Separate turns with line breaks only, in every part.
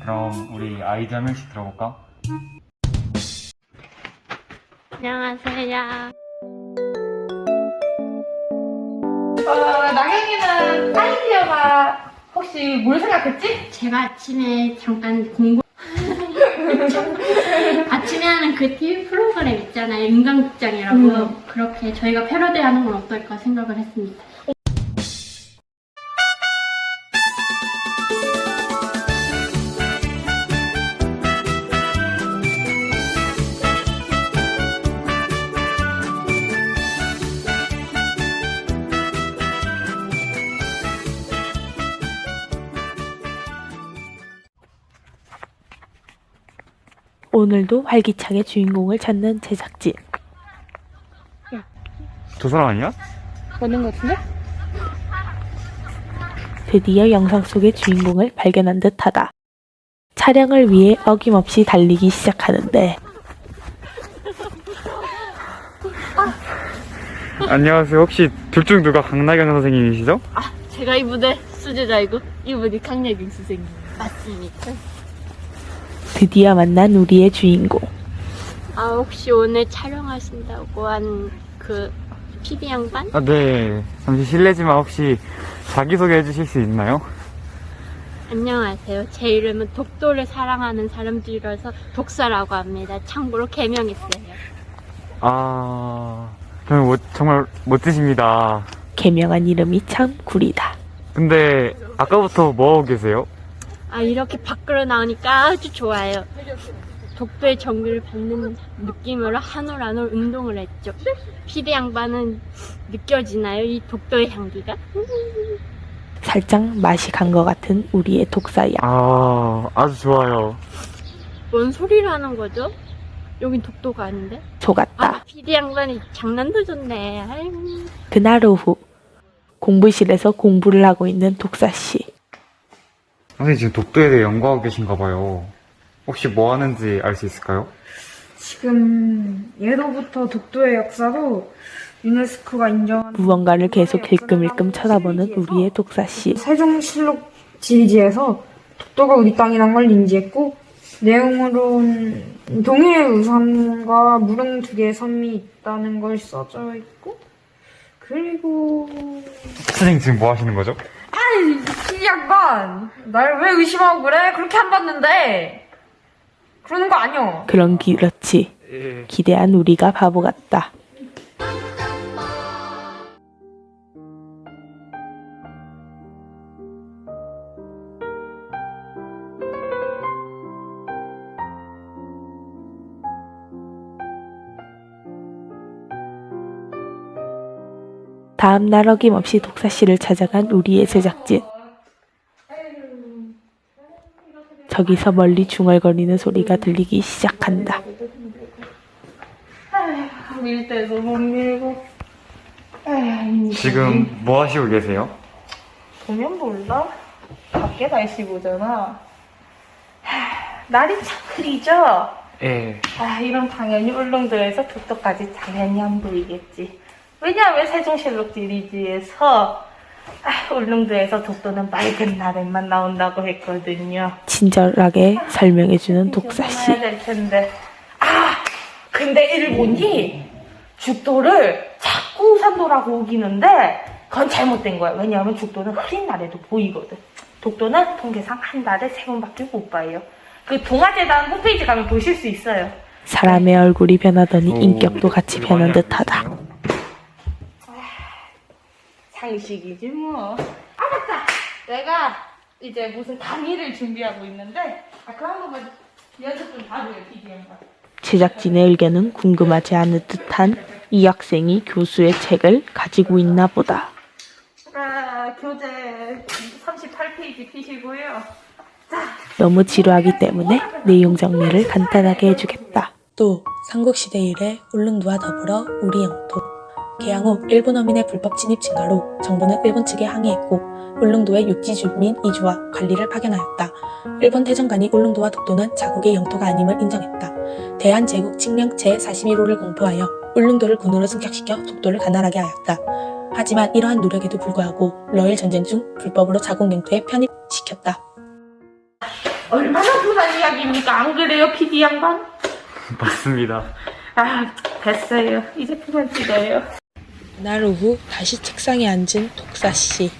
그럼 우리 아이디 한 명씩 들어볼까?
안녕하세요.
나경이는 아이디어가 혹시 뭘 생각했지?
제가 아침에 잠깐 공부 아침에 하는 그 TV 프로그램 있잖아요. 인간극장이라고. 그렇게 저희가 패러디하는 건 어떨까 생각을 했습니다.
오늘도 활기차게 주인공을 찾는 제작진.
두 사람 아니야?
맞는 것 같은데?
드디어 영상 속의 주인공을 발견한 듯하다. 촬영을 위해 어김없이 달리기 시작하는데
안녕하세요. 혹시 둘 중 누가 강나경 선생님이시죠?
제가 이분의 수제자이고 이분이 강예경 선생님. 맞습니다.
드디어 만난 우리의 주인공.
혹시 오늘 촬영하신다고 한 그 PD 양반?
네. 잠시 실례지만 혹시 자기소개 해주실 수 있나요?
안녕하세요. 제 이름은 독도를 사랑하는 사람들이라서 독사라고 합니다. 참고로 개명했어요.
저는 정말 멋지십니다.
개명한 이름이 참 구리다.
근데 아까부터 뭐하고 계세요?
이렇게 밖으로 나오니까 아주 좋아요. 독도의 정글을 받는 느낌으로 한 올 한 올 운동을 했죠. 피디 양반은 느껴지나요? 이 독도의 향기가?
살짝 맛이 간 것 같은 우리의 독사양.
아주 좋아요.
뭔 소리를 하는 거죠? 여긴 독도가 아닌데?
속았다.
피디 양반이 장난도 좋네. 아이고.
그날 오후 공부실에서 공부를 하고 있는 독사씨.
선생님 지금 독도에 대해 연구하고 계신가 봐요. 혹시 뭐 하는지 알 수 있을까요?
지금 예로부터 독도의 역사로 유네스코가 인정한
무언가를 계속 일끔일끔 쳐다보는 우리의 독사씨.
세종실록 지리지에서 독도가 우리 땅이란 걸 인지했고 내용으로는 동해의 우산과 무릉 두 개의 섬이 있다는 걸 써져 있고 그리고
선생님 지금 뭐 하시는 거죠?
이 양반 날 왜 의심하고 그래? 그렇게 안 봤는데 그러는 거 아니야.
그렇지. 기대한 우리가 바보 같다. 다음 날 어김없이 독사씨를 찾아간 우리의 제작진. 저기서 멀리 중얼거리는 소리가 들리기 시작한다.
밀 때도 못 밀고
지금 뭐 하시고 계세요?
보면 몰라? 밖에 날씨 보잖아. 날이 참 흐리죠?
예.
이런 당연히 울릉도에서 독도까지 당연히 안 보이겠지. 왜냐하면 세종실록 지리지에서 울릉도에서 독도는 맑은 날에만 나온다고 했거든요.
친절하게 설명해주는 독사씨.
해야 될 텐데. 근데 일본이 죽도를 자꾸 우산도라고 우기는데 그건 잘못된 거야. 왜냐하면 죽도는 흐린 날에도 보이거든. 독도는 통계상 한 달에 3번밖에 못 봐요. 그 동아재단 홈페이지 가면 보실 수 있어요.
사람의 얼굴이 변하더니 인격도 같이 변한 듯하다.
상식이지 뭐. 맞다. 내가 이제 무슨 강의를 준비하고 있는데 그거 한 번만 연습 좀 봐줘요, PDM과.
제작진의 의견은 궁금하지 않을 듯한 이 학생이 교수의 책을 가지고 있나 보다.
교재 38페이지 피시고요.
너무 지루하기 때문에 내용 정리를 간단하게 해주겠다. 또 삼국시대 이래 울릉도와 더불어 우리 영토 개항 후 일본 어민의 불법 진입 증가로 정부는 일본 측에 항의했고 울릉도의 육지 주민 이주와 관리를 파견하였다. 일본 태정관이 울릉도와 독도는 자국의 영토가 아님을 인정했다. 대한제국 칙령 제41호를 공포하여 울릉도를 군으로 승격시켜 독도를 관할하게 하였다. 하지만 이러한 노력에도 불구하고 러일 전쟁 중 불법으로 자국 영토에 편입시켰다.
얼마나 분한 이야기입니까? 안 그래요, PD 양반?
맞습니다.
아, 됐어요. 이제 그만 찍어요.
날 오후 다시 책상에 앉은 독사씨.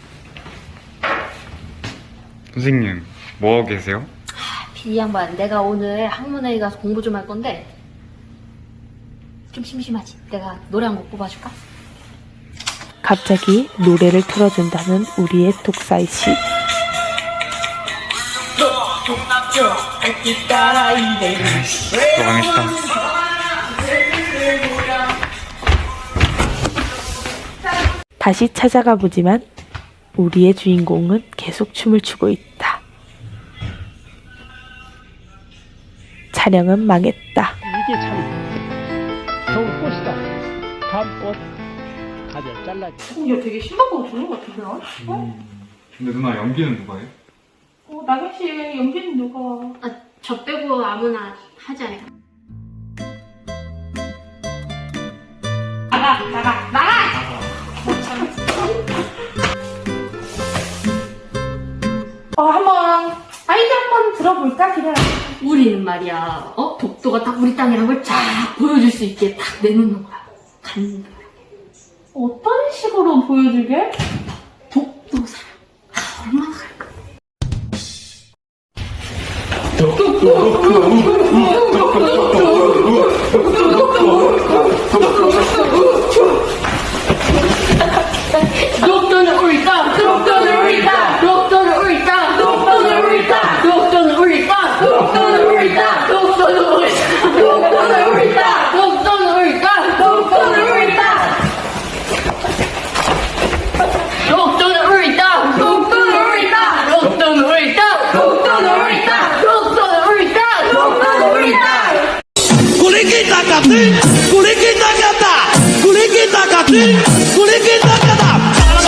선생님, 뭐하고 계세요?
PD 양반, 내가 오늘 학문회의 가서 공부 좀 할 건데 좀 심심하지? 내가 노래 한 곡 뽑아줄까?
갑자기 노래를 틀어준다는 우리의 독사씨.
또 망했다.
다시 찾아가 보지만 우리의 주인공은 계속 춤을 추고 있다. 촬영은 망했다.
이게 참 좋은 꽃이다. 밤꽃 가지를 잘라줘.
야, 되게 신박하고 좋은 것 같은데, 나?
근데 누나 연기는 누가 해요?
나경 씨 연기는 누가?
아, 저 빼고 아무나 하지 않을까? 나가!
한번 아이디 한번 들어볼까? 그냥.
우리는 말이야, 독도가 딱 우리 땅이란 걸 쫙 보여줄 수 있게 딱 내놓는 거야. 간다.
어떤 식으로 보여주게?
독도 사랑. 얼마나 갈까?
독도는 우리 땅! 독도는 우리 땅! 독도는 우리 땅! 독도는 우리 땅! 독도는 우리 땅! 독도는 우리 땅! 독도는 우리 땅! 독도는 우리 땅! 독도는 우리 땅! 독도는 우리 땅! 독도는 우리 땅! 독도는 우리 땅! 독도는 우리 땅! 독도는 우리 땅! 독도는 우리 땅! 독도는 우리 땅!
구리기다 같은 구리기다 같다 구리기다 같은 구리기다 같다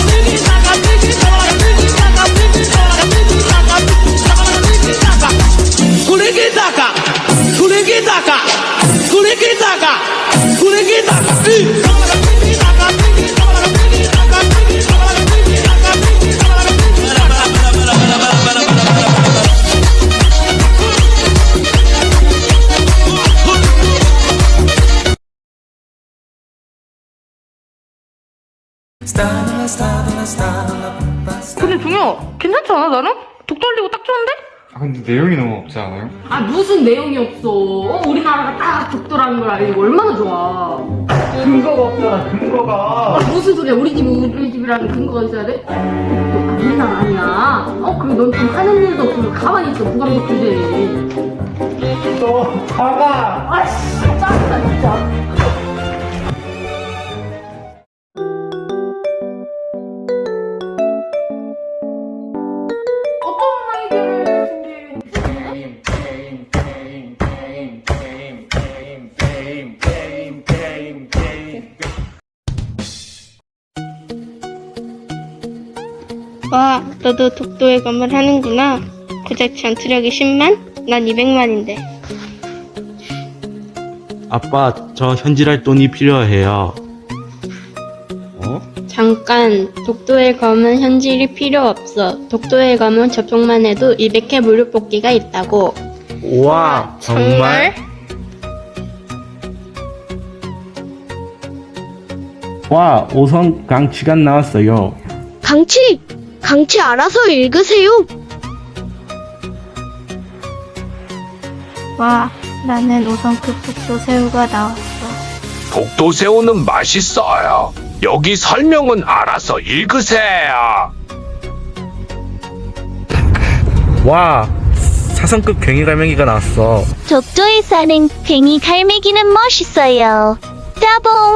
구리기다가 구리기다가 구리기다가 구리기다가
근데 동요 괜찮지 않아 나는? 독도 흘리고 딱 좋은데?
근데 내용이 너무 없지 않아요?
아, 무슨 내용이 없어. 우리나라가 딱 독도라는 걸 알고 얼마나 좋아.
근거가 없잖아, 근거가.
무슨 소리야? 우리 집이라는 근거가 있어야 돼? 독도, 우리나라 아니야. 그리고 넌 좀 하는 일도 없으면 가만히 있어. 무감독 주제에.
너 사과.
아씨, 짜증나, 진짜.
어떤 아이디어를 준비해?
와, 너도 독도의 검을 하는구나. 고작 전투력이 10만? 난 200만인데.
아빠, 저 현질할 돈이 필요해요.
잠깐, 독도의 검은 현질이 필요 없어. 독도의 검은 접속만 해도 200회 무료 뽑기가 있다고.
우와, 정말? 와, 5성 강취가 나왔어요.
강치 알아서 읽으세요. 와, 나는 5성급 독도 새우가 나왔어.
독도새우는 맛있어요. 여기 설명은 알아서 읽으세요.
와, 4성급 괭이 갈매기가 나왔어.
독도에 사는 괭이 갈매기는 멋있어요. 따봉!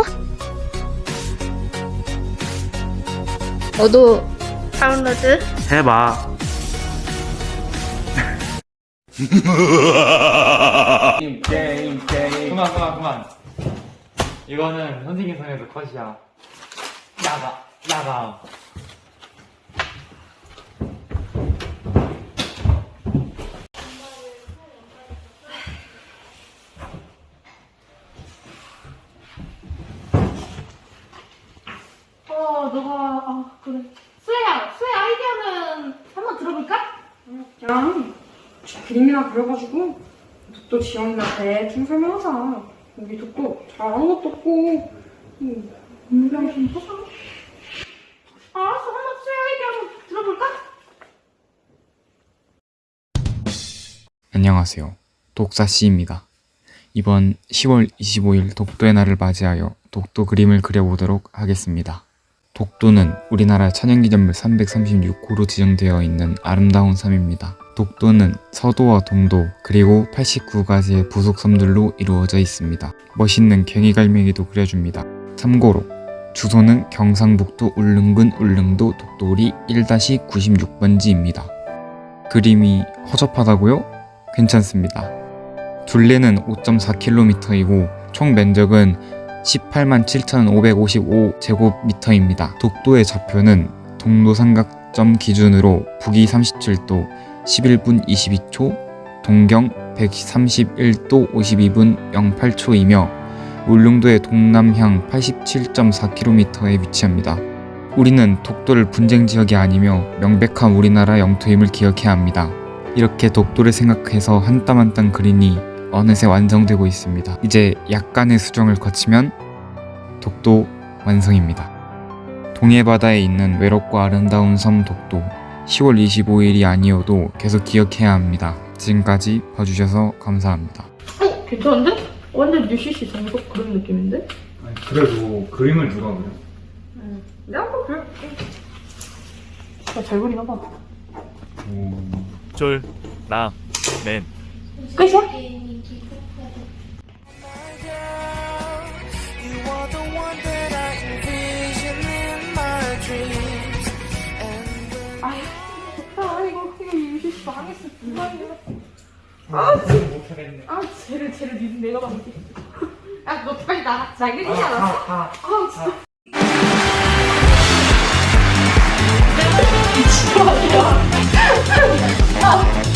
너도 다운로드?
해봐.
그만. 이거는 선생님 손에도 컷이야. 나가.
그래. 수혜야 아이디어는 한번 들어볼까? 그림이나 그려가지고 독도 지원이한테 좀 설명하자. 우리 독도 잘하는 것도 없고 공부랑 좀 하자. 알았어, 한번 수영 얘기 한번 들어볼까?
안녕하세요. 독사씨입니다. 이번 10월 25일 독도의 날을 맞이하여 독도 그림을 그려보도록 하겠습니다. 독도는 우리나라 천연기념물 336호로 지정되어 있는 아름다운 섬입니다. 독도는 서도와 동도 그리고 89가지의 부속 섬들로 이루어져 있습니다. 멋있는 괭이갈매기도 그려줍니다. 참고로 주소는 경상북도 울릉군 울릉도 독도리 1-96번지입니다. 그림이 허접하다고요? 괜찮습니다. 둘레는 5.4km이고 총 면적은 187,555제곱미터입니다. 독도의 좌표는 동로삼각점 기준으로 북위 37도 11분 22초, 동경 131도 52분 08초이며 울릉도의 동남향 87.4km에 위치합니다. 우리는 독도를 분쟁 지역이 아니며 명백한 우리나라 영토임을 기억해야 합니다. 이렇게 독도를 생각해서 한 땀 한 땀 그리니 어느새 완성되고 있습니다. 이제 약간의 수정을 거치면 독도 완성입니다. 동해바다에 있는 외롭고 아름다운 섬 독도, 10월 25일이 아니어도 계속 기억해야 합니다. 지금까지 봐주셔서 감사합니다.
괜찮은데? 완전 UCC 전속 그런 느낌인데?
그래도 그림을 누가 그려?
내가 한번 그려볼게. 잘 그리나 봐.
쫄, 나, 맨.
끝이야? 아, 좋다. 이거 UCC 망했어. 쟤를 내가 봐볼게. 야, 너 빨리 나가. 잘 그리지 않았어? 진짜. 미친놈이야.